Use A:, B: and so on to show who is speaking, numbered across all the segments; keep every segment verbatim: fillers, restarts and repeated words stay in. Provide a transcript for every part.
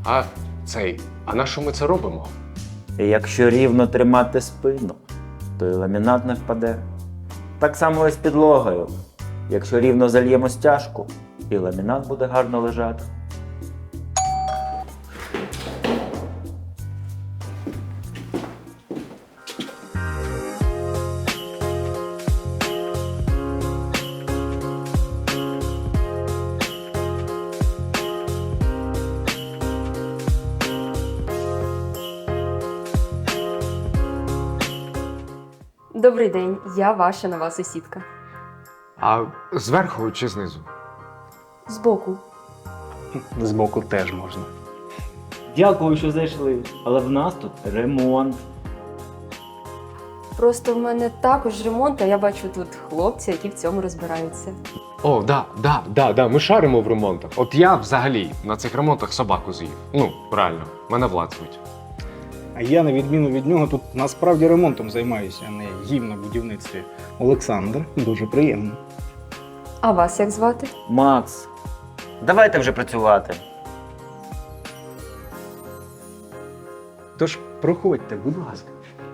A: А цей, а на що ми це робимо?
B: І якщо рівно тримати спину, то і ламінат не впаде. Так само і з підлогою. Якщо рівно зальємо стяжку, і ламінат буде гарно лежати.
C: Добрий день, я ваша нова сусідка.
A: А зверху чи знизу?
C: Збоку.
D: Збоку теж можна.
B: Дякую, що зайшли, але в нас тут ремонт.
C: Просто в мене також ремонт, а я бачу тут хлопці, які в цьому розбираються.
A: О, да, да, да, да, ми шаримо в ремонтах. От я взагалі на цих ремонтах собаку з'їв. Ну, реально, мене Влад звуть.
D: А я, на відміну від нього, тут насправді ремонтом займаюся, а не їм на будівництві. Олександр, дуже приємно.
C: А вас як звати?
B: Макс, давайте вже працювати.
D: Тож проходьте, будь ласка.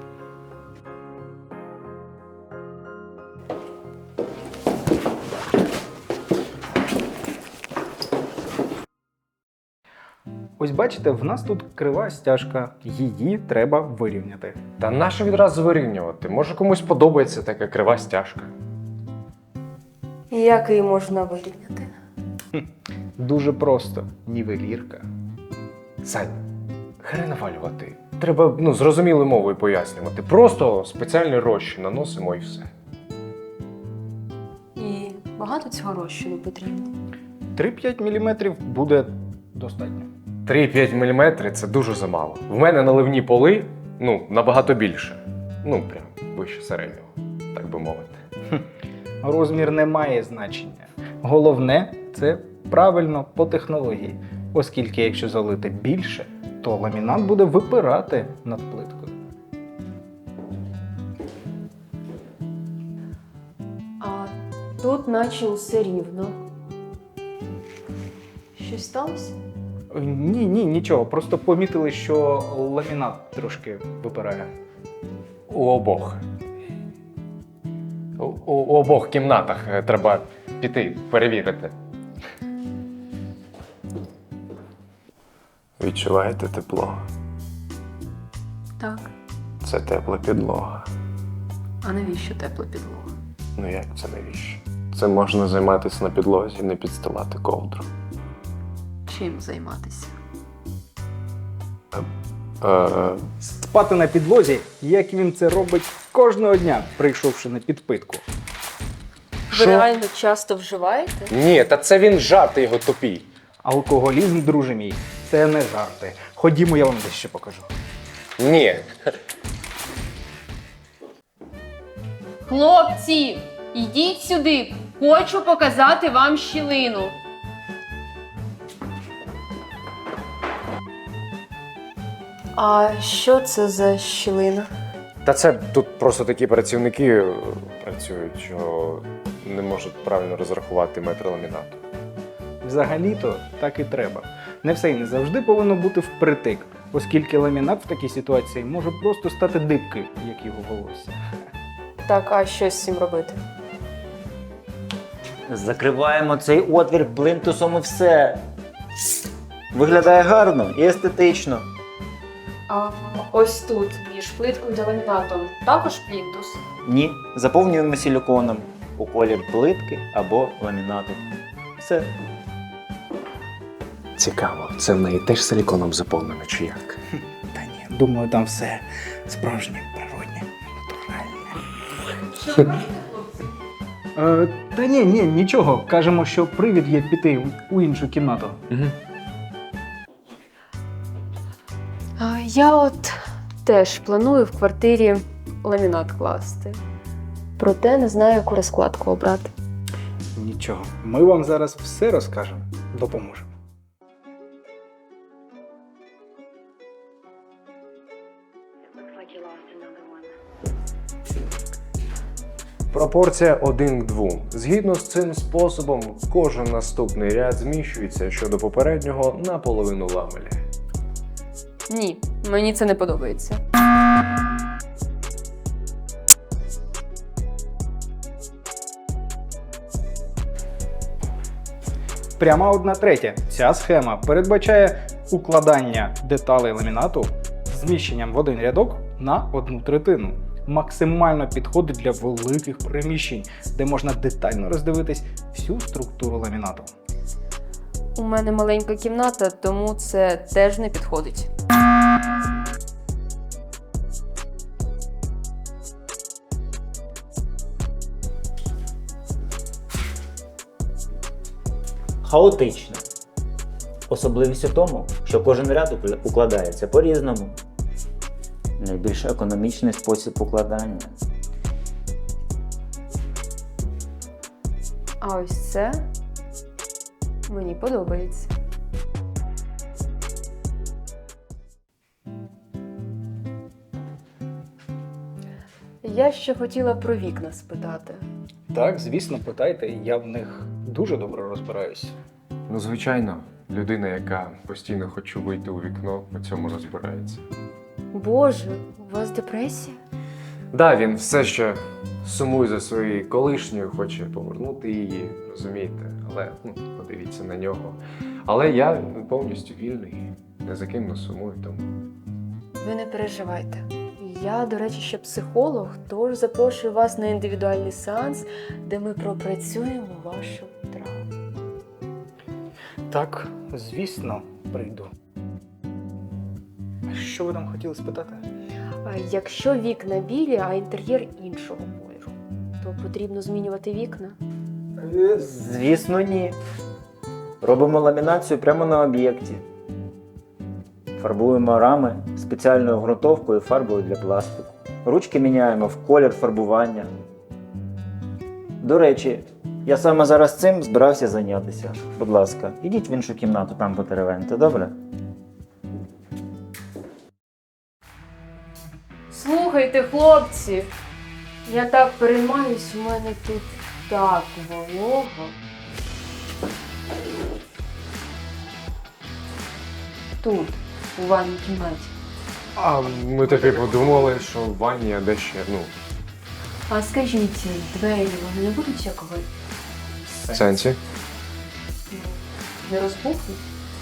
D: Ось бачите, в нас тут крива стяжка, її треба вирівняти.
A: Та нащо відразу вирівнювати? Може комусь подобається така крива стяжка.
C: Як її можна вирівняти?
D: Дуже просто, нівелірка.
A: Сань, хай навалювати. Треба, ну, зрозумілою мовою пояснювати. Просто спеціальний розчин наносимо і все.
C: І багато цього розчину потрібно.
D: три-п'ять міліметрів буде достатньо.
A: три-п'ять міліметрів – це дуже замало. В мене наливні поли, ну, набагато більше. Ну, прям вище середнього, так би мовити.
D: Розмір не має значення. Головне – це правильно по технології. Оскільки якщо залити більше, то ламінат буде випирати над плиткою.
C: А тут наче усе рівно. Щось сталося?
D: Ні, ні, нічого. Просто помітили, що ламінат трошки випирає.
A: У обох. У, у, у обох кімнатах е, треба піти, перевірити.
E: Відчуваєте тепло?
C: Так.
E: Це тепла підлога.
C: А навіщо тепла підлога?
E: Ну як це навіщо? Це можна займатися на підлозі, не підстилати ковдру.
C: Чим займатися?
E: Е,
D: Спати на підлозі, як він це робить кожного дня, прийшовши на підпитку.
C: Ви реально часто вживаєте?
A: Ні, та це він жарти його тупі.
D: Алкоголізм, друже мій, це не жарти. Ходімо, я вам дещо покажу.
A: Ні.
F: Хлопці, йдіть сюди. Хочу показати вам щілину.
C: А що це за щілина?
A: Та це тут просто такі працівники е, працюють, що не можуть правильно розрахувати метр ламінату.
D: Взагалі-то так і треба. Не все і не завжди повинно бути впритик, оскільки ламінат в такій ситуації може просто стати дибки, як його волосся.
C: Так, а що з цим робити?
B: Закриваємо цей отвір плинтусом і все. Виглядає гарно і естетично.
C: А ось тут, між плиткою та ламінатом, також плінтус.
B: Ні, заповнюємо силіконом у колір плитки або ламінату. Все.
E: Цікаво, це в неї теж силіконом заповнено, чи як?
D: Та ні, думаю, там все справжнє, природне, натуральне. Е, та ні, ні, нічого. Кажемо, що привід є піти у іншу кімнату.
A: Угу.
C: А, я от теж планую в квартирі ламінат класти. Проте не знаю, яку розкладку обрати.
D: Нічого, ми вам зараз все розкажемо, допоможемо.
A: Пропорція один к двом. Згідно з цим способом, кожен наступний ряд зміщується щодо попереднього на половину ламеля.
C: Ні, мені це не подобається.
D: Пряма одна третя. Ця схема передбачає укладання деталей ламінату зміщенням в один рядок на одну третину. Максимально підходить для великих приміщень, де можна детально роздивитись всю структуру ламінату.
C: У мене маленька кімната, тому це теж не підходить.
B: Хаотично. Особливість у тому, що кожен ряд укла- укладається по-різному. Найбільш економічний спосіб укладання.
C: А ось це мені подобається. Я ще хотіла про вікна спитати.
D: Так, звісно, питайте, я в них дуже добре розбираюсь.
A: Ну, звичайно, людина, яка постійно хоче вийти у вікно, по цьому розбирається.
C: Боже, у вас депресія?
A: Да, він все ще сумує за своєю колишньою, хоче повернути її, розумієте? Але ну, подивіться на нього. Але я повністю вільний, не за ким не сумую тому.
C: Ви не переживайте. Я, до речі, ще психолог, тож запрошую вас на індивідуальний сеанс, де ми пропрацюємо вашу травму.
D: Так, звісно, прийду. А що ви там хотіли спитати?
C: А якщо вікна білі, а інтер'єр іншого кольору, то потрібно змінювати вікна?
B: Звісно, ні. Робимо ламінацію прямо на об'єкті. Фарбуємо рами спеціальною ґрунтовкою і фарбою для пластику. Ручки міняємо в колір фарбування. До речі, я саме зараз цим збирався зайнятися. Будь ласка, ідіть в іншу кімнату, там потеревеньте, добре?
C: Слухайте, хлопці, я так переймаюсь, у мене тут так волого. Тут, у ванній кімнаті.
A: А ми таки подумали, що в ванні, а де ще, ну,
C: А скажіть, двері вони не будуть якого
A: в сенсі.
C: не розбухнуть?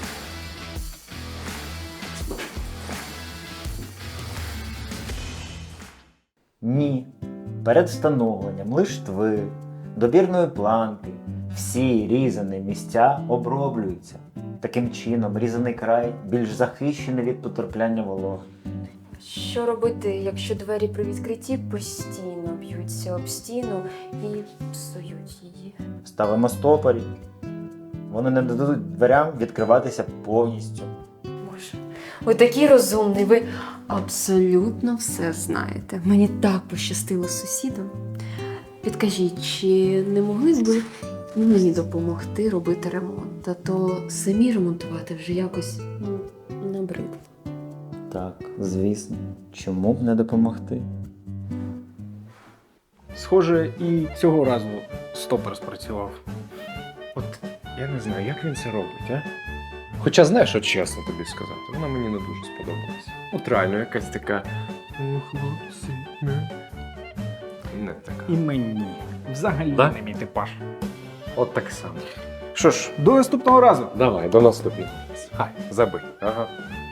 B: Ні. Перед встановленням лиштви, добірної планки, всі різані місця оброблюються. Таким чином, різаний край більш захищений від потрапляння вологи.
C: Що робити, якщо двері при відкритті постійно б'ються об стіну і псують її?
B: Ставимо стопорі. Вони не дадуть дверям відкриватися повністю.
C: Боже, ви такий розумний, ви абсолютно все знаєте. Мені так пощастило з сусідом. Підкажіть, чи не могли б ви мені допомогти робити ремонт? А то самі ремонтувати вже якось ну, набридло.
B: Так, звісно. Чому б не допомогти?
D: Схоже, і цього разу стопор спрацював.
A: От я не знаю, як він це робить, а? Хоча знаєш, от чесно тобі сказати, вона мені не дуже сподобалася. От реально, якась така. О, хлопці, не. Не така.
D: І мені. Взагалі
A: Да?
D: не мій типаж.
A: От так само. Що ж,
D: До наступного разу!
A: давай, до наступного. Хай, забий. Ага.